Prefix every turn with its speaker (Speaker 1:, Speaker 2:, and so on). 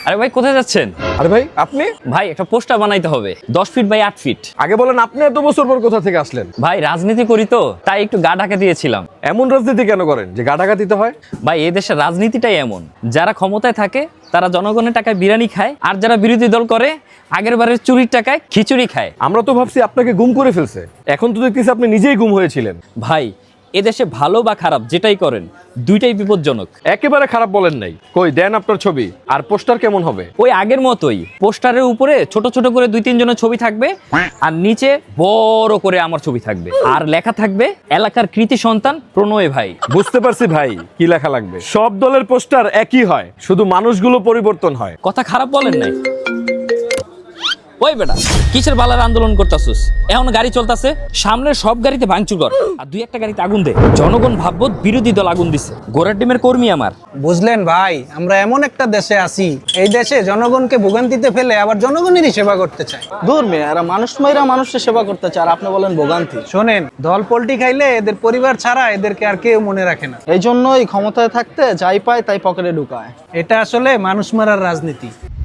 Speaker 1: আরে ভাই কোথায় যাচ্ছেন?
Speaker 2: আরে ভাই আপনি
Speaker 1: ভাই একটা পোস্টার বানাইতে হবে 10 ফিট বাই 8 ফিট।
Speaker 2: আগে বলেন, আপনি এত বছর পর কোথা থেকে আসলেন?
Speaker 1: ভাই রাজনীতি করি তো, তাই একটু গা ঢাকা দিয়েছিলাম।
Speaker 2: এমন রাজনীতি কেন করেন যে গাটাগা দিতে হয়?
Speaker 1: ভাই এই দেশের রাজনীতিটাই এমন, যারা ক্ষমতায় থাকে তারা জনগণের টাকায় বিরিয়ানি খায়, আর যারা বিরোধী দল করে আগের বারের চুরির টাকায় খিচুড়ি খায়।
Speaker 2: আমরা তো ভাবছি আপনাকে গুম করে ফেলছে, এখন তো দেখতেছি আপনি নিজেই গুম হয়েছিলেন।
Speaker 1: ভাই এদেশে ভালো বা খারাপ যেটাই করেন দুইটাই বিপজ্জনক।
Speaker 2: একেবারে খারাপ বলেন নাই। কই দেন আপনার ছবি, আর পোস্টার কেমন হবে?
Speaker 1: ওই আগের মতোই, পোস্টারের উপরে ছোট ছোট করে 2-3 জনের ছবি থাকবে, আর নিচে বড় করে আমার ছবি থাকবে, আর লেখা থাকবে এলাকার কৃতি সন্তান প্রণয় ভাই।
Speaker 2: বুঝতে পারছি ভাই, কি লেখা লাগবে। সব দলের পোস্টার একই হয়, শুধু মানুষগুলো পরিবর্তন হয়।
Speaker 1: কথা খারাপ বলেন নাই। ওই বেটা কিসের বালার আন্দোলন করতাছুস? এখন গাড়ি চলতেছে, সামনের সব গাড়িতে ভাঙচুর কর, আর 2-1টা গাড়িতে আগুন দে। জনগণ ভাববো বিরোধী দল আগুন দিছে, গোড়ার টিমের কর্মী আমার।
Speaker 3: বুঝলেন ভাই, আমরা এমন একটা দেশে আছি, এই দেশে জনগণকে ভোগান্তিতে ফেলে আবার জনগণেরই সেবা করতে চায়।
Speaker 4: দূর মেয়ে, এরা মানুষ মাইরা মানুষের সেবা করতে চায়, আর আপনি বলেন ভোগান্তি।
Speaker 3: শোনেন, দল পল্টি খাইলে এদের পরিবার ছাড়া এদেরকে আর কেউ মনে রাখে না।
Speaker 4: এই জন্যই ক্ষমতায় থাকতে যাই পায় তাই পকেটে ঢুকায়।
Speaker 3: এটা আসলে মানুষ মারার রাজনীতি।